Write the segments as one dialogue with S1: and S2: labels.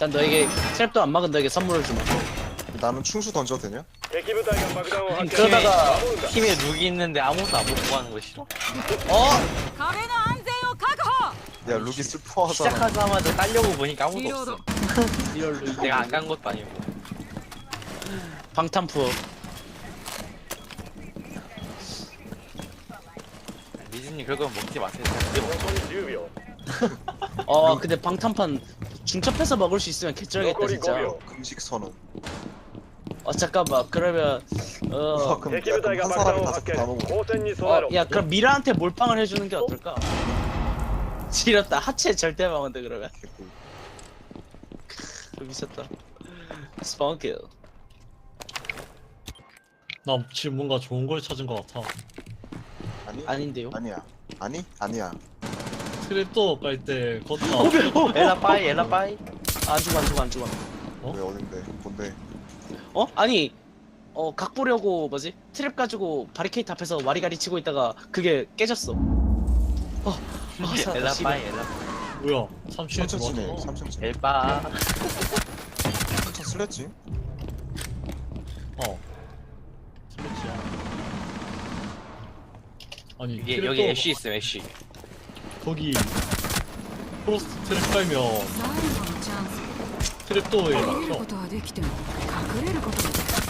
S1: 일단 너에게 트랩도 안 막은 너에게 선물을 주마.
S2: 나는 충수 던져도 되냐?
S3: 敵部隊が爆弾を発見
S1: 그러다가
S3: 守るんだ
S4: 팀에 룩이 있는데 아무것도 안 먹고 하는 거 싫어?
S1: 어?
S5: 壁の安全を確保
S2: 야 룩이 슬퍼하잖아.
S4: 시작하자마자 딸려고 보니까 아무도 없어.
S1: 리얼로
S4: 내가 안 간 것도 아니고.
S1: 방탄푸어.
S4: 리즈님 그거 먹지 마세요. 그게
S3: 本
S4: 먹죠.
S3: 当に10秒
S1: 근데 방탄판 중첩해서 먹을 수 있으면 개쩔겠다
S3: 残り
S1: 진짜.
S3: 5秒
S2: 금식 선언.
S1: 잠깐만 그러면
S2: 와, 그럼,
S3: 敵部隊が
S2: 한
S3: 爆弾
S2: 사람이
S3: を
S2: 다섯
S3: 発
S2: 개
S3: 見
S2: 다 먹어.
S3: 交戦に備えろ
S1: 야 그럼 미라한테 몰빵을 해주는 게 어떨까? 지렸다 하체 절대 막은데 그러면
S2: 개꿀.
S1: 미쳤다. 스펀킬.
S6: 나 지금 뭔가 좋은 걸 찾은 것 같아.
S2: 아니?
S1: 아닌데요?
S2: 아니야. 아니? 아니야.
S6: 트랩도 깔 때 걷다.
S4: 엘라빠이 엘라빠이.
S1: 안 죽어 안 죽어 안 죽어.
S6: 어?
S2: 왜 어딘데? 뭔데?
S1: 아니 각 보려고 뭐지? 트랩 가지고 바리케이트 앞에서 와리가리 치고 있다가 그게 깨졌어. 살았다,
S4: 엘라빠이
S1: 씨발.
S4: 엘라빠이.
S6: 뭐야? 3층에
S2: 3층 치네.
S6: 들어왔잖아.
S2: 3층 치네.
S4: 엘빠.
S2: 3층 슬랬지?
S6: 어. 슬래치야. 아니
S4: 여기 여기 애쉬 있음 애쉬.
S6: 거기 프로스트 트랩 깔면
S5: 最後のチャンス
S6: 트랩도어에
S5: 逃げるこ
S6: 막혀.
S5: とはできても隠れることができない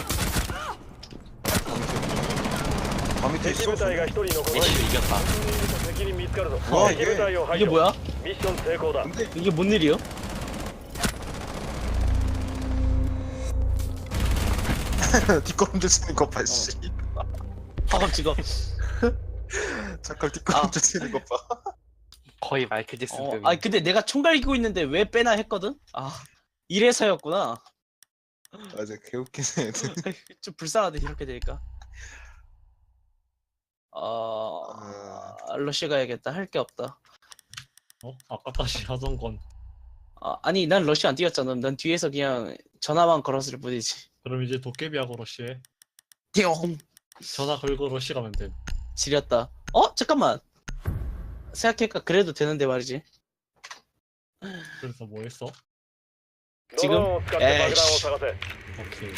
S2: 밤 밑에
S3: 敵
S2: 있어?
S3: 部隊が1人残る
S4: 애쉬 이겼다.
S3: 敵に見つかるぞ
S2: うわ
S3: 敵部隊を排
S1: 이게
S3: 除
S1: 뭐야?
S3: ミッション成功だ
S2: 근데
S1: 이게 뭔 일이요?
S2: 뒷걸음질 치는 거 봐, 씨.
S1: 파갑지가.
S2: 잠깐 뒷걸음질 치는 거 봐.
S4: 거의 마이클 잭슨.
S1: 아니 근데 내가 총 갈기고 있는데 왜 빼나 했거든? 이래서였구나.
S2: 맞아, 개웃기네, 애들.
S1: 좀 불쌍하네 이렇게 되니까. 러쉬 가야겠다. 할 게 없다.
S6: 어? 아까 다시 하던 건.
S1: 아니 난 러쉬 안 뛰었잖아. 난 뒤에서 그냥 전화만 걸었을 뿐이지.
S6: 그럼 이제 도깨비하고 러시에
S1: 띠용.
S6: 전화 걸고 러시 가면 돼.
S1: 지렸다. 잠깐만. 생각해니까 그래도 되는데 말이지.
S6: 그래서 뭐 했어?
S3: ドローンを使って爆弾を探せ
S6: 오케이.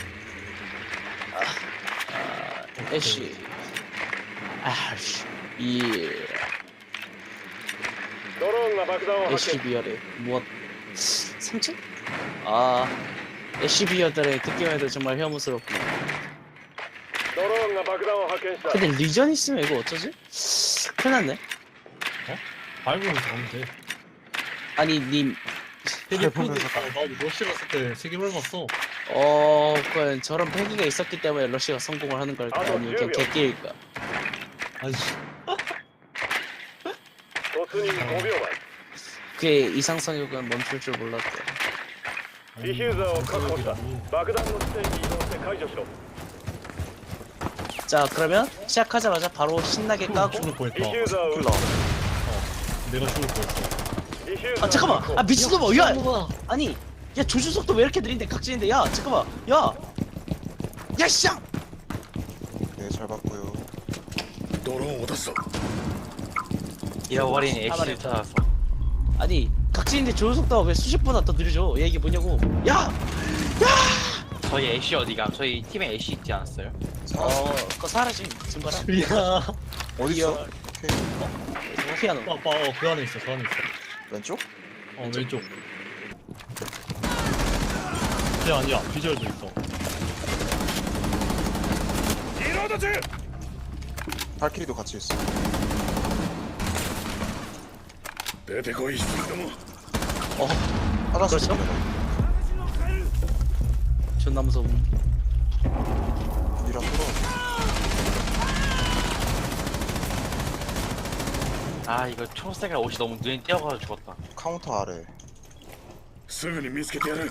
S1: 애쉬. 이
S3: ドローンが爆弾を発
S1: 애쉬
S3: 見
S1: 비열의 무엇 3층? 애쉬 비열들의 듣기만 해도 정말 혐오스럽구나.
S3: ドローンが爆弾を発見した
S1: 근데 리전 있으면 이거 어쩌지? 큰일 났네.
S6: 밟으면서 가면 돼.
S1: 아니 님
S6: 텔리포드 나도 러시 갔을 때 3개 밟았어.
S1: 그건 저런 패기가 있었기 때문에 러시가 성공을 하는 걸까? 아니면 그냥 개끼일까?
S6: 아니
S3: 突入5秒
S1: 그의 이상성욕은 멈출 줄 몰랐대.
S3: 前ディフューザーを確保した爆弾の地点に移動して解除しろ
S1: 자 그러면 시작하자마자 바로 신나게 까고.
S6: 죽을
S3: デ
S6: 뻔했다.
S3: ィフューザーを撃
S2: 킬러.
S3: つ
S6: 내가 죽을 뻔했어.
S3: ディフューザー
S1: 잠깐만. 미친놈아. 야 아니 야 조준속도 왜 이렇게 느린데 각진인데 야 잠깐만 야 씨앙.
S2: 네, 잘 봤고요.
S4: 잃어버린
S1: 가만히
S4: 애쉬를 찾아서.
S1: 아니 각진인데 조준속도가 왜 수십보다 더 느려져? 얘 이게 뭐냐고. 야
S4: 저희 애쉬 어디가? 저희 팀에 애쉬 있지 않았어요?
S1: 그거 사라진 증거라.
S6: 야.
S2: 어딨어?
S1: 이어.
S2: 오케이.
S1: 피아노.
S6: 그 안에 있어. 그 안에 있어.
S2: 왼쪽?
S6: 왼쪽. 야 아니야. 비주얼도 있어.
S2: 발키리도 같이 있어. 화장실
S1: 그렇죠?
S2: 있네.
S1: 존나 무서움.
S2: 이랑 풀어.
S4: 아 이거 초록색깔 옷이 너무 눈에 띄어가지고 죽었다.
S2: 카운터 아래.
S3: すぐに見つけてやる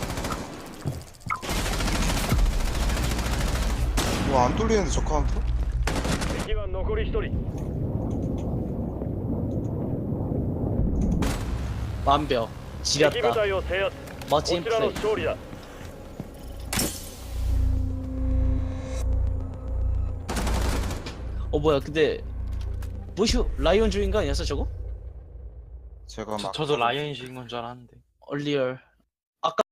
S2: 와, 안 뚫리는데 저 카운터?
S3: 敵は残り1人
S1: 완벽.
S3: 敵部
S1: 지렸다.
S3: 隊を制圧
S1: 멋진
S3: こちらの
S1: 플레이.
S3: 勝利だ
S1: 뭐야 근데 뭐슈 라이온 주인가 아니었어 저거?
S2: 제가 막
S4: 저도 라이언이 죽인 건 줄 알았는데.
S1: 얼리얼 아까